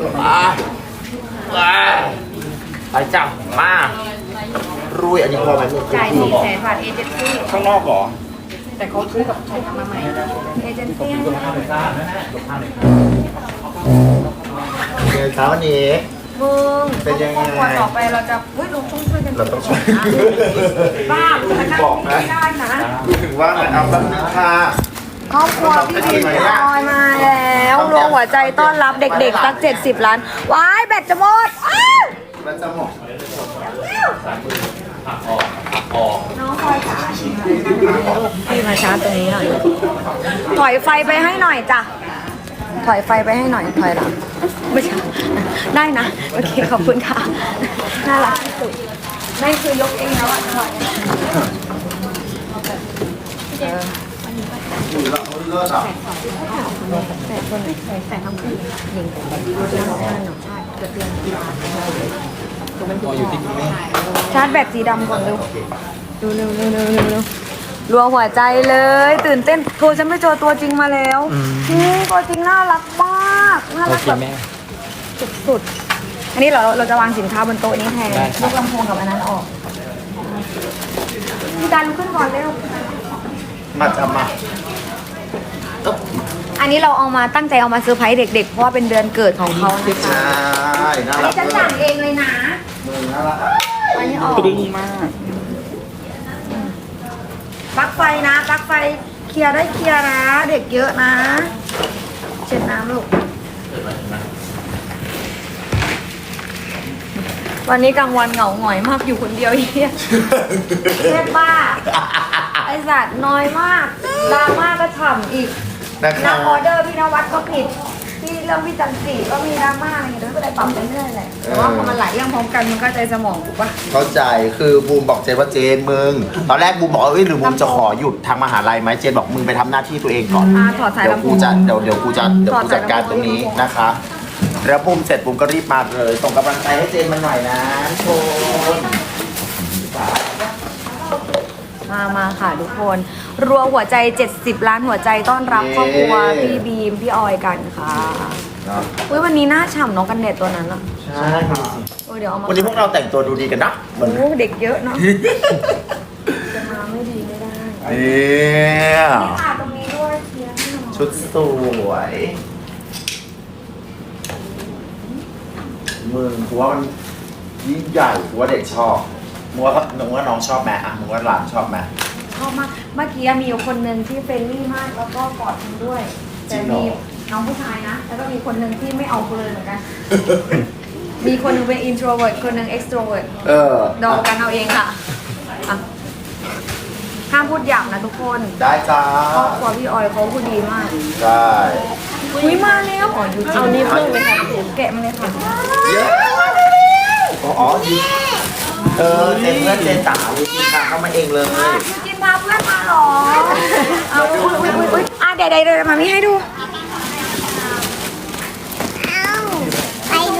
ไปจับมารุยอันนี้พอไหมลูกจ่าย400,000 บาทเอเจนซี่ข้างนอกเหรอแต่เขาซื้อกับใครทำมาใหม่เอเจนซี่เช้าวันนี้มึงเป็นยังไงวันต่อไปเราจะเราต้องช่วยกันเราต้องช่วยบ้ามึงจะนั่งไม่ได้นะถึงว่าไงเอาแบบนี้ค่ะครอบครัวพี่บีมลอยมาแล้วรวมหัวใจต้อนรับเด็กๆสัก70 ล้านว้ายแบตจะหมดมันจะหมดน้องคอยจ๋าพี่มาชาร์จตรงนี้หน่อยถอยไฟไปให้หน่อยจ้ะถอยไฟไปให้หน่อยถอยหลังไม่ใช่ได้นะโอเคขอบคุณค่ะน่ารักที่สุดนั่นคือยกเองแล้วอ่ะถอยอยู่แล้วเลิศอ่ะแต่คนไหนใส่ทั้งคู่หญิงแต่หนูใช่เกิดเรื่องชาร์จแบตสีดำก่อนเร็วเร็วรัวหัวใจเลยตื่นเต้นโทรฉันไม่เจอตัวจริงมาแล้วตัวจริงน่ารักมากน่ารักแบบสุดๆอันนี้เราจะวางสินค้าบนโต๊ะนี้แทนยกลำโพงกับอันนั้นออกพี่การลุกขึ้นก่อนเร็วมาจะมาอันนี้เราเอามาตั้งใจเอามาเซอร์ไพรส์เด็กๆเพราะว่าเป็นเดือนเกิดของเขานะคะใช่น่าอันรันี้กฉันสั่งเองเลยนะมือน่ารักอันนี้ออกดีมากปลั๊กไฟนะปลั๊กไฟเคลียร์ได้เคลียร์นะเด็กเยอะนะเช็ดน้ำลูกวันนี้กลางวันเหงาหงอยมากอยู่คนเดียวเฮียแค่บ้าไอสัตว์น้อยมากดราม่าก็ฉ่ำอีกนะคะนักออเดอร์พี่นวัดก็ผิดที่เรื่องพี่จันทรีก็มีดราม่าอะไรอย่างเงี้ยด้วยก็เลยปรับไปเรื่อยๆแหละแต่ว่าพอมันหลายเรื่องพร้อมกันมันก็ใจสมองถูกปะเข้าใจคือบูมบอกเจนว่าเจนมึงตอนแรกบูมบอกว่าเอ้ยหรือบูมจะขอหยุดทางมหาลัยไหมเจนบอกมึงไปทำหน้าที่ตัวเองก่อนถอดสายเดี๋ยวลำโพกูงจะเดี๋ยวกูจัดการตรงนี้นะคะแล้วบูมเสร็จบูมก็รีบมาเลยส่งกำลังใจให้เจนมาหน่อยนะทุกคนมาค่ะทุกคนรัวหัวใจ70 ล้านหัวใจต้อนรับครอบครัวพี่บีมพี่ออยกันค่ะอุ้ยวันนี้หน้าฉ่ำน้องกันเด็ดตัวนั้นอะใช่ค่ะเดี๋ยวเอามาวันนี้พวกเราแต่งตัวดูดีกันนะเหมือนโอ้เด็กเยอะเนาะจะมาไม่ดีไม่ได้เนี่ยค่ะตรงนี้ด้วยเคลียร์ให้หน่อยชุดสวยมึงกูว่ามันยิ่งใหญ่กูว่าเด็กชอบมึงว่าน้องชอบไหมอ่ะมึงว่าหลานชอบไหมชอบมากเมื่อกี้มีอยู่คนหนึ่งที่เฟรนลี่มากแล้วก็กอดฉันด้วยแต่มีน้องผู้ชายนะแล้วก็มีคนหนึ่งที่ไม่เอาเลยเหมือนกัน มีคนหนึงเป็น introvert คนหนึ่ง extrovert ดองกันเอาเองค่ะอ่ะห้ามพูดหยาบนะทุกคนได้จ้าครอบครัวพี่ออยเขาพูดดีมากได้อุ้ยมาแล้วอ๋ออยู่เอานี่เพิ่มเลยค่ะแกะมาเลยค่ะเยอะอ๋อดีเจนเพื่อนเจนสาวดีค่ะเข้ามาเองเลยพี่จินพาเพื่อนมาเหรอเอาอุ้ยอ่ะเดี๋ยวมามีให้ดูไปดู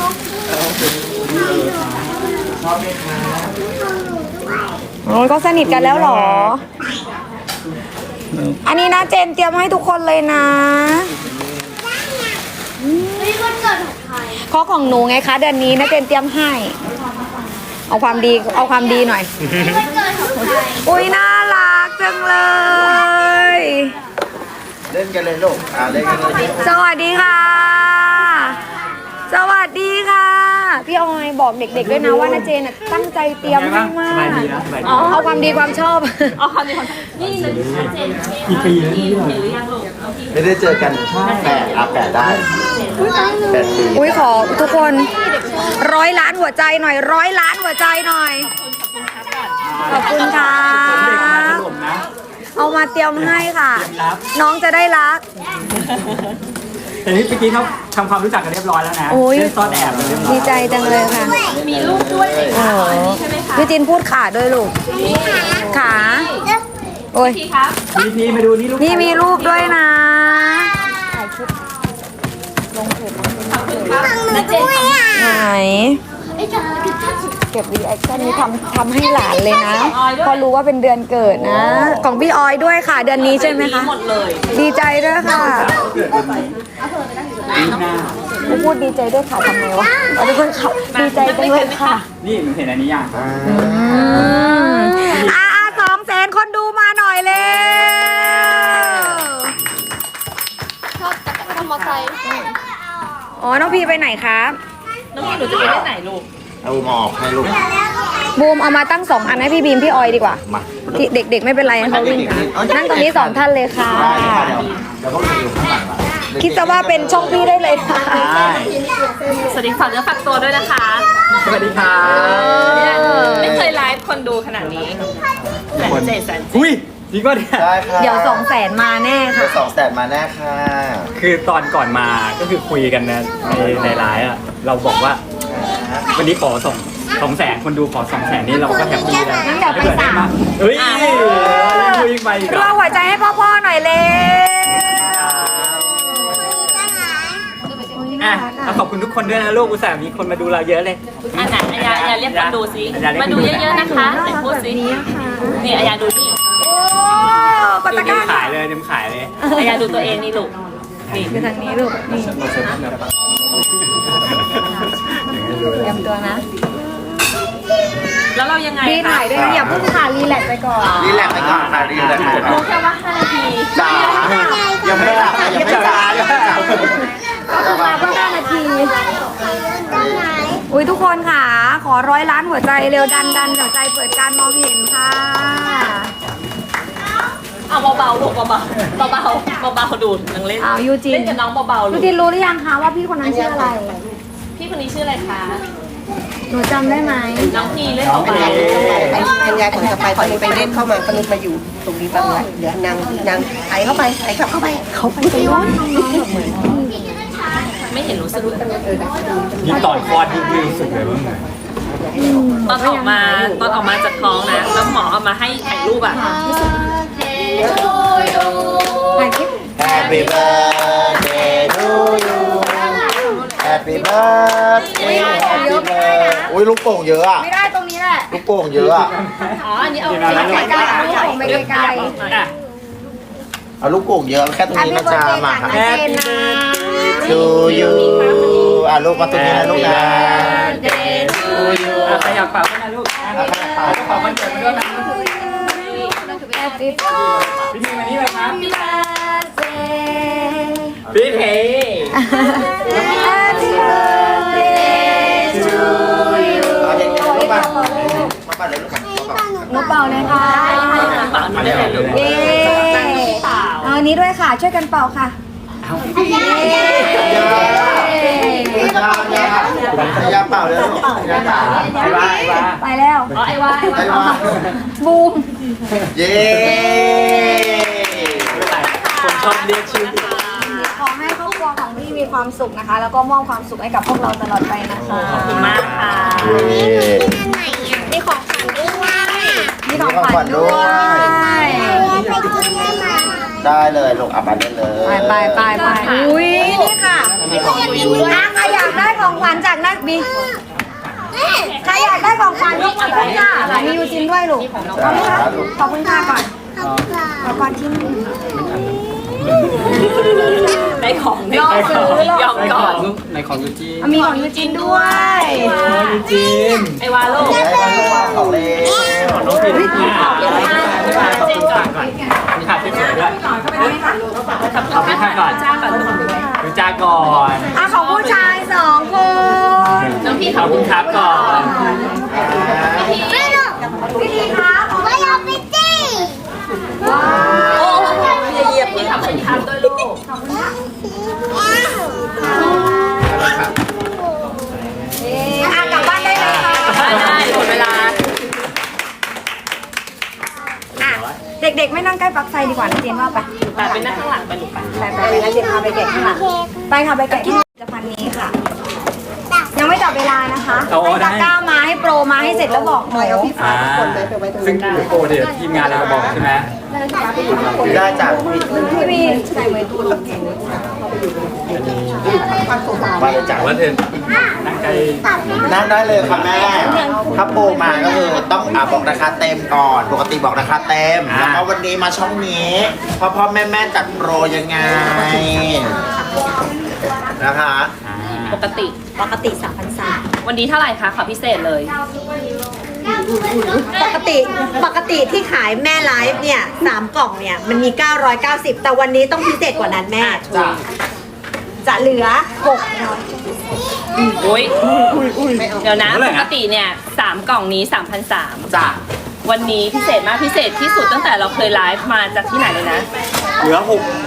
ชอบไหมคะโอ้ยก็สนิทกันแล้วเหรอ อันนี้นะเจนเตรียมให้ทุกคนเลยนะนี่วันเกิดของใครข้อของหนูไงคะเดือนนี้นะเจนเตรียมให้ เอาความดีหน่อยวันเกิดของใครอุ้ยน่ารักจังเลยเล่นกันเลยลูกเล่นกันเลยสวัสดีค่ะ สวัสดีค่ะ พี่ออยบอกเด็กๆด้วยนะว่านาเจนตั้งใจเตรียมให้มากเอาความดีความชอบไม่ได้เจอกันแปดได้8 ปีอุ้ยขอทุกคน100 ล้านหัวใจหน่อย100 ล้านหัวใจหน่อย ขอบคุณค่ะ เอามาเตรียมให้ค่ะ น้องจะได้รักแต่นี่เมื่อกี้เขาทำความรู้จักกันเรียบร้อยแล้วนะโอ้ยเล่นซ่อนแอบกันเรียบร้อยดีใจจังเลยค่ะ มีลูกด้วยพี่จินพูดขาด้วยลูก ขาโอ้ยพี่มาดูนี่ลูกนี่มีรูปด้วยนะมาด้วยอ่ะไหนไอ้จ๋าคือท่านสุดเก็บรีแอคชั่นนี้ทำให้หลานเลยนะเพอรู้ว่าเป็นเดือนเกิดนะ ของพี่ออยด้วยค่ะ เดือนนี้ใช่ไหมคะ ดีใจด้วยค่ะปีหน้าพูดดีใจด้วยค่ะทำไงวะเอาทุกคนขับดีใจจังเลยค่ะนี่มึงเห็นอันนี้ยัง 200,000 คนดูมาหน่อยเลยชอบจักรยานมอเตอร์ไซค์อ๋อ น้องพีไปไหนครับน้องพี่หนูจะไปเล่นไหนลูกเอาหมอกให้ลูกบูมเอามาตั้ง2 อันให้พี่บีมพี่ออยดีกว่ามาเด็กๆไม่เป็นไรให้เขาวิ่งนั่งตรงนี้2 ท่านเลยค่ะได้ค่ะเดี๋ยวพวกเราอยู่ข้างหลังอะคิดซะว่าเป็นช่องพี่ได้เลยค่ะสวัสดีฝากเนื้อฝากตัวด้วยนะคะสวัสดีครับไม่เคยไลฟ์คนดูขนาดนี้แสนอุ้ยจริงป่ะเนี่ยได้ค่ะเดี๋ยว200,000 มาแน่ค่ะ 200,000มาแน่ค่ะคือตอนก่อนมาก็คือคุยกันนะในไลน์อ่ะเราบอกว่า วันนี้ขอ200,000คนดูขอ200,000นี่เราก็แฮปปี้แล้วงั้นเดี๋ยวไปถ้ากิด้ 3 มากเฮ้ยคุยไปอีกรอหัวใจให้พ่อๆหน่อยเลยอ่ะเอาขอบคุณทุกคนด้วยนะลูกอุตส่าห์มีคนมาดูเราเยอะเลยๆอันไหนอยาเรียกคนดูสิมาดูเยอะๆนะคะไหนพูดสินี่อยาดูนี่โอ้กดเดี๋ตะยวกร้าขายเลยเดี๋ยวขายเลยอยาดูตัวเองนี่ลูกนี่คือทางนี้ลูกนี่เตรียมตัวนะแล้วเรายังไงพี่ถ่ายด้วยนะอย่าเพิ่งถ่ายรีแลกซ์ไปก่อนรีแลกซ์ไปก่อนค่ะรีแลกซ์ไปก่อนรู้แค่ว่า5 นาทีจ๋ายังไม่หลับยังไม่จ๋ายังไม่จ๋าก็คือมาเพิ่ง5 นาที อุ้ยทุกคนค่ะ ขอ100 ล้านหัวใจเร็วดันหัวใจเปิดการมองเห็นค่ะเอาเบาๆลูกเบาๆเบาๆดูดนังเล่นอ้าวยูจินเล่นกับน้องเบาๆลูยูกจินรู้หรือยังคะว่าพี่คนนั้นชื่ออะไรพี่คนนี้ชื่ออะไรคะหนูจำได้ไหมน้องพีเล่นเบาอัญญาคนต่อไปตอนนี้ไปเล่นเข้ามาก็เลยมาอยู่ตรงนี้บ้างละเดี๋ยวนางไอเข้าไปไอกลับเข้าไปไปย้อนน้องๆแบบเหมือนๆไม่เห็นรู้สึกเลยยิ่งตอนคลอดยิ่งรู้สึกเลยว่าเหมือนตอนออกมาจากท้องนะแล้วหมอเอามาให้ถ่ายรูปอ่ะถ่ายคลิป Happy birthday to you Happy birthday Happy birthday อุ้ยลูกโป่งเยอะอะไม่ได้ตรงนี้แหละลูกโป่งเยอะอะอ๋ออันนี้เอาไปไกลๆลูกไปไกลอ่ะเอาลูกโป่งเยอะแค่ตรงๆนี้นะจ๊ะมาค่ะแฮปปี้เบิร์ดเดย์ to you อ่ะลูกมาตรงนี้นะลูกนะ to you อ่ะขยับเป่าขึ้นมาลูกอ่ะขยับเป่าเป่าวันเกิดมาด้วยนะแฮปปี้พี่ทีมานี่เลยครับเบิร์ดเดย์พี่เท Happy birthday to you เอาเด็กๆลูกมามาปั่นเลยลูกมาหนูเป่าเลยค่ะเปล่าไม่ได้เลยลูกเย้เอาอันนี้ด้วยค่ะ ช่วยกันเป่าค่ะ เย้ยาเปล่าเลยลูกยาเปล่าไอ้ว่าไอ้ว่าไปแล้วอ๋อไอ้ว่าไอ้ว่าบูมเย้ไม่เป็นไรผมชอบเรียกชื่อขอให้ครอบครัวของพี่มีความสุขนะคะ แล้วก็มอบความสุขให้กับพวกเราตลอดไปนะคะขอบคุณมากค่ะมีของขวัญด้วยมีของขวัญด้วยไปกินได้ไหมได้เลยลูกเอาไปได้เลยไปอุ้ยนี่ค่ะอ่ะใครอยากได้ของขวัญจากนักบีใครอยากได้ของขวัญยกมือขึ้นค่ะมียูจินด้วยลูกขอบคุณค่ะขอบคุณค่ะก่อนขอบคุณที่นี่ได้ของยอมซื้อหรยออมในก่ขออน งลูกในของยูจีมีของยูจินด้วยยูจีนไอ้ว่าลูกของเล่นของน้องพีนขอบคุณค่ะขอบคุณค่ะก่อนมีขาดที่สวยด้วยขอบคุณค่ะก่อนจ้าก่อนลูกดูจ้าก่อนอ่ะของผู้ชาย2 คนน้องพี่ขอบคุณครับก่อนไม่หรอกพี่ทีครับไม่เอาไปจี้ว้าวโอ้อย่าเหยียบพี่ทำให้ทันด้วยลูกอ่ะกลับบ้านได้เลยค่ะได้หมดเวลาอ่ะเด็กๆไม่นั่งใกล้ปลั๊กไฟดีกว่านะเจนว่าไปแต่เป็นนั่งข้างหลังไปลูกไปไปงั้นเจนพาไปแกะข้างหลังไปค่ะไปแกะที่ผลิตภัณฑ์นี้ค่ะ ยังไม่จับเวลานะคะให้ตะกร้ามาให้โปรมาให้เสร็จแล้วบอกหนูอ่าซึ่งโปรเดี๋ยวทีมงานเราจะบอกใช่ไหมได้จากพี่บีใส่ไว้ตู้มาเลยจากว่าเธอนั่งใกล้นั่งได้เลยค่ะแม่ถ้าโปรมาก็คือต้องบอกราคาเต็มก่อน ปกติบอกราคาเต็ม แล้วก็วันนี้มาช่องนี้พ่อแม่จัดโปรยังไงนะคะปกติปกติ 3,300 วันนี้เท่าไหร่คะขอพิเศษเลยปกติที่ขายแม่ไลฟ์เนี่ย3กล่องเนี่ยมันมี990แต่วันนี้ต้องพิเศษกว่านั้นแม่จ้ะจะเหลืออุ้ยเดี๋ยวนะเท่าไหร่ปนะกติเนี่ย3กล่องนี้ 3,300 จ้ะวันนี้พิเศษมากพิเศษที่สุดตั้งแต่เราเคยไลฟ์มาจากที่ไหนเลยนะเหลือ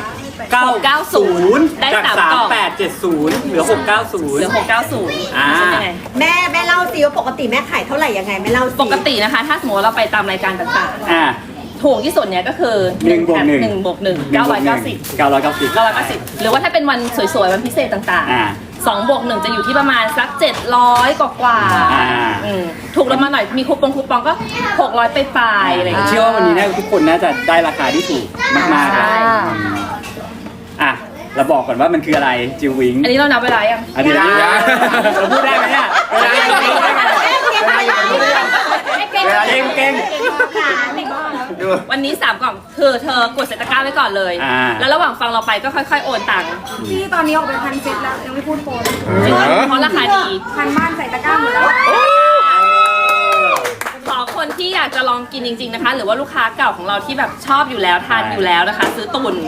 690 ได้จาก 3กล่อง 3870เหลือ690 เหลือ690 อ่าใช่ไหมแม่เล่าสิว่าปกติแม่ขายเท่าไหร่ยังไงแม่เล่าสิปกตินะคะ ถ้าสมมติว่าเราไปตามรายการต่างอ่าๆ ถูกที่สุดเนี่ยก็คือ 1 บวก 1 1บวก1 990 990 หรือว่าถ้าเป็นวันสวยๆ วันพิเศษต่างอ่าๆ2บวก1จะอยู่ที่ประมาณสัก700กว่าอ่าถูกลงมาหน่อยมีคูปองก็600ไปปลายๆอะไรอย่างเงี้ยเชื่อว่าวันนี้เนี่ยทุกคนน่าจะได้ราคาที่ถูกมากๆใช่อ่ะเราบอกก่อนว่ามันคืออะไรจิววิงอันนี้เรานับเวลายังอันนี้เราพูดได้ไหมเนี่ยเวลาอย่างนี้เวลาอย่างนี้เก่งดูวันนี้3กล่องเธอกดใส่ตะกร้าไว้ก่อนเลยอ่าแล้วระหว่างฟังเราไปก็ค่อยๆโอนตังค์ที่ตอนนี้ออกไป1,000 เซตแล้วยังไม่พูดโปรเลยจริงๆเพราะราคาดีพันบ้านใส่ตะกร้าหมดแล้วขอคนที่อยากจะลองกินจริงๆนะคะ หรือว่าลูกค้าเก่าของเราที่แบบชอบอยู่แล้วทานอยู่แล้วนะคะ ซื้อตุน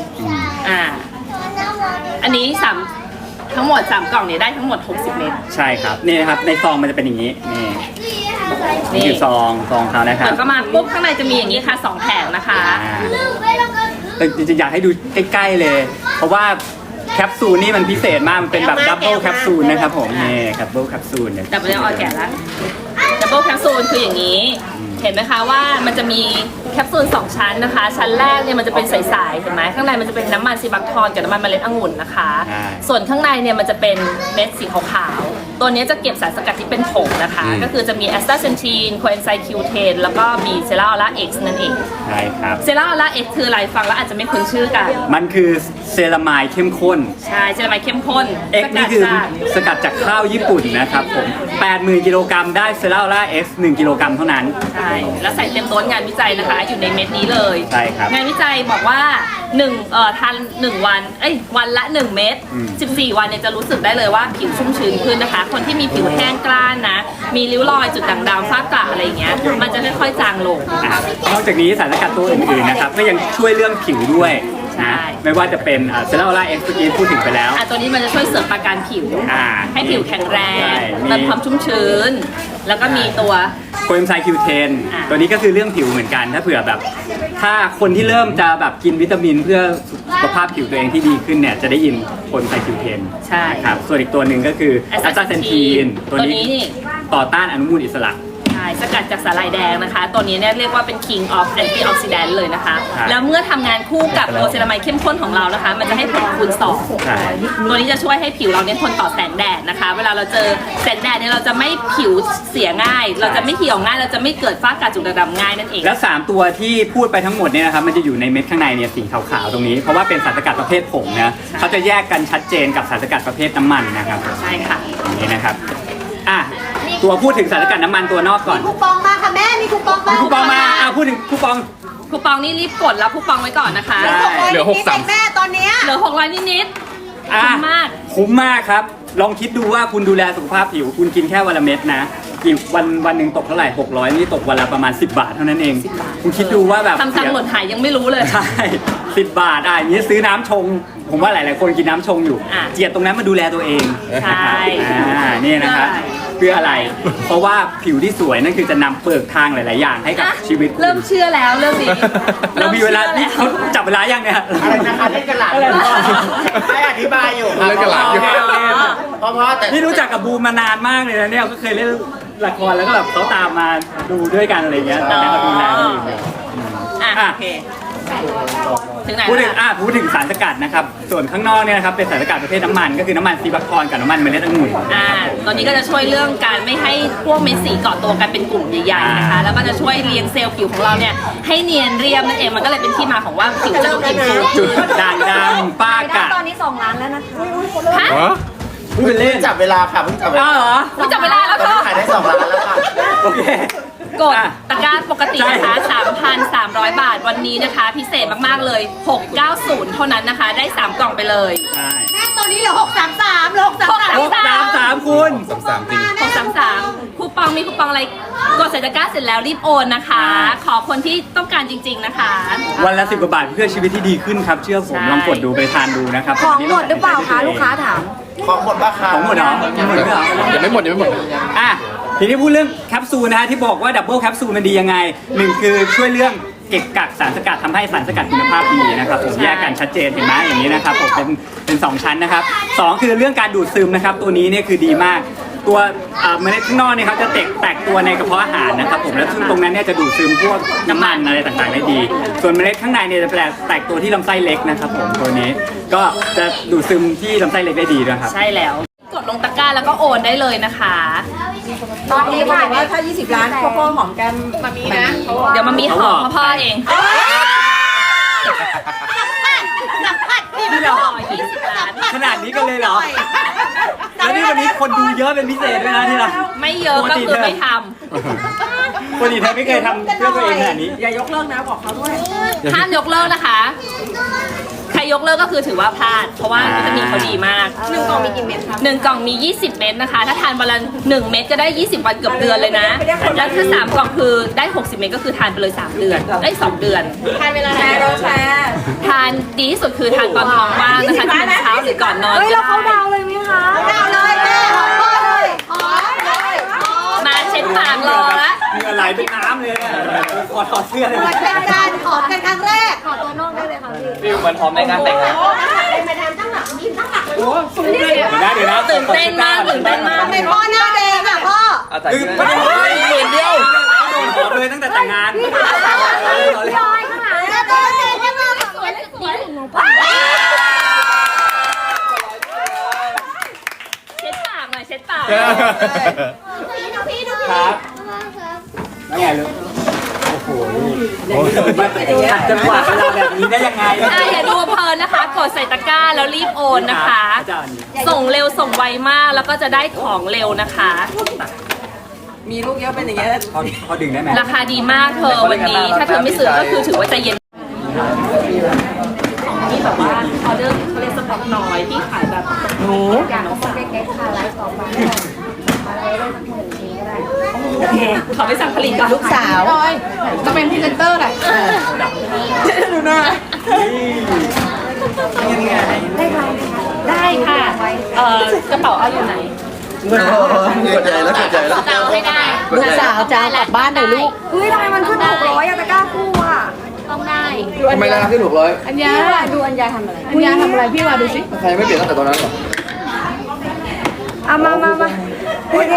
อันนี้ทั้งหมด3กล่องเนี่ยได้ทั้งหมด60 เม็ดใช่ครับนี่นะครับในซองมันจะเป็นอย่างนี้นี่นี่คือซองเขานะคเปิรับดเข้ามาปุ๊บข้างในจะมีอย่างนี้ค่ะ2แผงนะคะแต่จริงๆอยากให้ดูใกล้ๆเลย เพราะว่าแคปซูลนี่มันพิเศษมากมันเป็นแบบดับเบิลแคปซูลนะครับผมนี่ดับเบิลแคปซูลเนี่ยดับเบิลออแกะแล้วดับเบิลแคปซูลคืออย่างนี้ เห็นไหมคะว่ามันจะมีแคปซูล2ชั้นนะคะ ชั้นแรกเนี่ยมันจะเป็นใสๆเห็นไหมข้างในมันจะเป็นน้ำมันซีบักทอนกับน้ำมันเมล็ดองุ่นนะคะ ส่วนข้างในเนี่ยมันจะเป็นเม็ดสีขาวๆตัวนี้จะเก็บสารสกัดที่เป็นผงนะคะ ก็คือจะมีแอสตาเซนทีนโคเอนไซม์คิวเทนแล้วก็มีเซราออร่าเอ็กซ์นั่นเองใช่ครับเซราออร่าเอ็กซ์คืออะไรฟังแล้วอาจจะไม่คุ้นชื่อกันมันคือเซรามายเข้มข้นใช่เซรามายเข้มข้น X นี่คือสกัดจากข้าวญี่ปุ่นนะครับผม 80,000 กิโลกรัมได้เซราล่า X 1 กิโลกรัมเท่านั้นใช่แล้วใส่เต็มโต๊ะงานวิจัยนะคะ อยู่ในเม็ดนี้เลยใช่ครับงานวิจัยบอกว่าทาน1วันวันละ1เม็ด14 วันเนี่ยจะรู้สึกได้เลยว่าผิวชุ่มชื้นขึ้นนะคะ คนที่มีผิวแห้งกร้านนะ มีริ้วรอยจุดด่างดำฝ้ากระอะไรอย่างเงี้ยมันจะค่อยๆจางลงนอกจากนี้สารสกัดตัวอื่นๆนะครับก็ยังช่วยเรื่องผิวด้วยใช่นะไม่ว่าจะเป็นเซราล่า X เมื่อกี้พูดถึงไปแล้วตัวนี้มันจะช่วยเสริมประการผิว ให้ผิวแข็งแรงใช่เติมความชุ่มชื้น แล้วก็มีตัวโคเอนไซม์คิวเทนอ่าตัวนี้ก็คือเรื่องผิวเหมือนกัน ถ้าเผื่อแบบ ถ้าคนที่เริ่มจะแบบกินวิตามินเพื่อสุขภาพผิวตัวเองที่ดีขึ้นเนี่ยจะได้ยินโคเอนไซม์คิวเทนใช่นะครับส่วนอีกตัวหนึ่งก็คือแอสตาเซนทีนตัวตัวนี้นี้นี่ต่อต้านอนุมูลอิสระใช่สกัดจากสาหร่ายแดงนะคะ ตัวนี้เนี่ยเรียกว่าเป็น king of antioxidant เลยนะคะครับแล้วเมื่อทำงานคู่กับตัวเซรามายเข้มข้นของเรานะคะ มันจะให้ผลคูณสองใช่ตัวนี้จะช่วยให้ผิวเราเนี่ยทนต่อแสงแดดนะคะ เวลาเราเจอแสงแดดเนี่ยเราจะไม่ผิวเสียง่าย เราจะไม่เหี่ยวง่าย เราจะไม่เกิดฝ้ากระจุดด่างดำง่ายนั่นเองแล้ว 3 ตัวที่พูดไปทั้งหมดเนี่ยนะครับมันจะอยู่ในเม็ดข้างในเนี่ยสีขาวๆตรงนี้ เพราะว่าเป็นสารสกัดประเภทผงนะเขาจะแยกกันชัดเจนกับสารสกัดประเภทน้ำมันนะครับใช่ค่ะอย่างนี้นะครับอ่ะตัวพูดถึงสารสกัดน้ำมันตัวนอกก่อนคูปองมาค่ะแม่มีคูปองมีคูปองมาพูดถึงคูปองคูปองนี่รีบกดแล้วคูปองไว้ก่อนนะคะได้เหลือ6 แม่ตอนเนี้ยเหลือ600นิดๆอ่ะคุ้มมากคุ้มมากครับ ลองคิดดูว่าคุณดูแลสุขภาพผิว คุณกินแค่วันละเม็ดนะกี่วันหนึ่งตกเท่าไหร่600นี่ตกวันละประมาณ10 บาทเท่านั้นเอง คุณคิดดูว่าแบบทำตังค์หล่นหายยังไม่รู้เลยใช่10 บาทอย่างนี้ซื้อน้ำชง ผมว่าหลายๆคนกินน้ำชงอยู่อ่ะเจียดตรงนั้นมาดูแลตัวเองใช่นี่นะครับเพื่ออะไร เพราะว่าผิวที่สวยนั่นคือจะนำเปิดทางหลาย ๆ อย่างให้กับอ่ะชีวิตคุณเริ่มเชื่อแล้วเรื่องนี้เรามีเวลาริ่นี่มเขาชื่อแล้วจับเวลายังเนี่ยอะไรนะคะเล่นกันหลานให้อธิบายอยู่ครับเล่นกับหลานอยู่เพราะแต่นี่รู้จักกับบูมมานานมากเลยนะเนี่ยก็เคยเล่นละครแล้วก็แบบเขาตามมาดูด้วยกันอะไรเงี้ยตอนนี้เขาดูแลกันอยู่อ่ะโอเค ถึงไหนพูดถึงแล้วพูดถึงสารสกัดนะครับ ส่วนข้างนอกเนี่ยนะครับเป็นสารสกัดประเภทน้ำมันก็คือน้ำมันซีบัคทอนกับน้ำมันเมล็ดองุ่นตอนนี้ก็จะช่วยเรื่องการไม่ให้พวกเม็ดสีเกาะตัวกันเป็นกลุ่มใหญ่ๆนะคะ แล้วก็จะช่วยเลี้ยงเซลล์ผิวของเราเนี่ยให้เนียนเรียบนั่นเองมันก็เลยเป็นที่มาของว่าผิวจะดูอิ่มฟูจุดด่างดำป้ากะตอนนี้2 ล้านแล้วนะคะฮะพูดเป็นเล่นจับเวลาค่ะเพิ่งจับเวลาเหรอไม่จับเวลาแล้วตอนเธนี้อขายได้2 ล้านแล้วค่ะโอเคกดตะกร้าปกตินะคะ 3,300 บาทวันนี้นะคะ พิเศษมากๆเลย 690 เท่านั้นนะคะ ได้ 3 กล่องไปเลยใช่แม่ตัวนี้เหลือ633เหลือ 633 633 คุณ 633คูปองมีคูปองอะไรกดใส่ตะกร้าเสร็จแล้วรีบโอนนะคะ ขอคนที่ต้องการจริง ๆนะคะวันละ10 กว่าบาทเพื่อชีวิตที่ดีขึ้นครับ เชื่อผมใช่ลองกดดูไปทานดูนะครับของหมดหรือเปล่าคะลูกค้าถามของหมดปะคะของหมดเหรอยังหมดไม่เหรอยังไม่หมดอ่ะทีนี้พูดเรื่องแคปซูลนะฮะที่บอกว่าดับเบิลแคปซูลมันดียังไงหนึ่งคือช่วยเรื่องเก็บกักสารสกัดทำให้สารสกัดคุณภาพดีนะครับผมแยกกันชัดเจนเห็นไหมอย่างนี้นะครับผมเป็น2ชั้นนะครับ2คือเรื่องการดูดซึมนะครับตัวนี้เนี่ยคือดีมากตัวเมล็ดข้างนอกเนี่ยครับจะแตกตัวในกระเพาะอาหารนะครับผมแล้วซึ่งตรงนั้นเนี่ยจะดูดซึมพวกน้ำมันอะไรต่างๆได้ดี ส่วนเมล็ดข้างในเนี่ยจะแตกตัวที่ลำไส้เล็กนะครับผมตัวนี้ก็จะดูดซึมที่ลำไส้เล็กได้ดีด้วยครับใช่แล้ว กดลงตะกร้าแล้วก็โอนได้เลยนะคะตอนนี้ค่ะว่าถ้า 20 ล้านพ่อหอมแก้มมามีนะเดี๋ยวมามีหอมพ่อเองพี่หล่อ20 ล้านขนาดนี้กันเลยเหรอ แล้วนี่วันนี้คนดูเยอะเป็นพิเศษด้วยนะที่เราไม่เยอะก็คือไม่ทปกติเธอไม่เคยทำเพื่อตัวเองขนาดนี้อย่ายกเลิกนะบอกเขาด้วยำห้ามยกเลิกนะคะ ใครยกเลิกก็คือถือว่าพลาด เพราะว่าวิตามินเขาดีมาก1 กล่องมีกี่เม็ดคะ1 กล่องมี 20 เม็ดนะคะ ถ้าทานวันละ1 เม็ดก็ได้ 20 วันเกือบเดือนเลยนะ แล้วถ้า3 กล่องคือได้ 60 เม็ดก็คือทานไปเลย 3 เดือน ได้ 2 เดือน ทานเวลาไหนทานดีที่สุดคือทานตอนท้องว่างนะคะที่เป็นเช้าหรือก่อนนอนเฮ้ยก็เราเขาได้ดาวเลยไหมคะดาวเลยแม่ขอพ่อเลยขอเลยมาเช็ดปากรอละเหงื่อไหลเป็นน้ำเลยเนี่ยขอถอดเสื้อเลยเป็นการขอกันครั้งแรกขอตัวนอกได้เลยค่ะพี่ฟิลเหมือนพร้อมในงานแต่งงานเดี๋ยวนะตื่นเต้นมากตื่นเต้นมากเป็นพ่อหน้าแดงอ่ะพ่อเอาใจคือเย็นไม่ได้หมื่นเดียวโดนขอเลยตั้งแต่แต่งงานพี่ออยข้างหลังแล้วก็เด็กก็มาสวยสวยเช็ดปากหน่อยเช็ดปากครับแล้วไงลูกโอ้โหขัดจังหวะเวลาแบบนี้ได้ยังไงอย่าดูเพลินนะคะ กดใส่ตะกร้าแล้วรีบโอนนะคะอาจารย์ส่งเร็วส่งไวมากแล้วก็จะได้ของเร็วนะคะมีลูกเยอะเป็นอย่างเงี้ยพอดึงได้ไหมราคาดีมากเธอวันนี้ ถ้าเธอไม่ซื้อก็คือถือว่าใจเย็นของที่แบบว่าออเดอร์เขาเรียกสต็อกน้อยที่ขายแบบอยากเอาคนเก๊กๆค่ะไลฟ์ต่อไปอะไรได้สักหมื่นทีก็ได้โอเคขอไปสั่งผลิตก่อนลูกสาวจะเป็นพรีเซนเตอร์แหละดูหน้าได้ค่ะกระเป๋าเอาอยู่ไหนเกิดใจแล้วเกิดใจแล้วเอาให้ได้ลูกสาวจะเอากลับบ้านหน่อยลูกเฮ้ยทำไมมันขึ้น600อะตะกร้าคู่อะต้องได้ทำไมราคาขึ้น600 อัญญาดูอัญญาทำอะไรอัญญาทำอะไรพี่มาดูสิใครไม่เปลี่ยนตั้งแต่ตอนนั้นหรอเอามาโอเค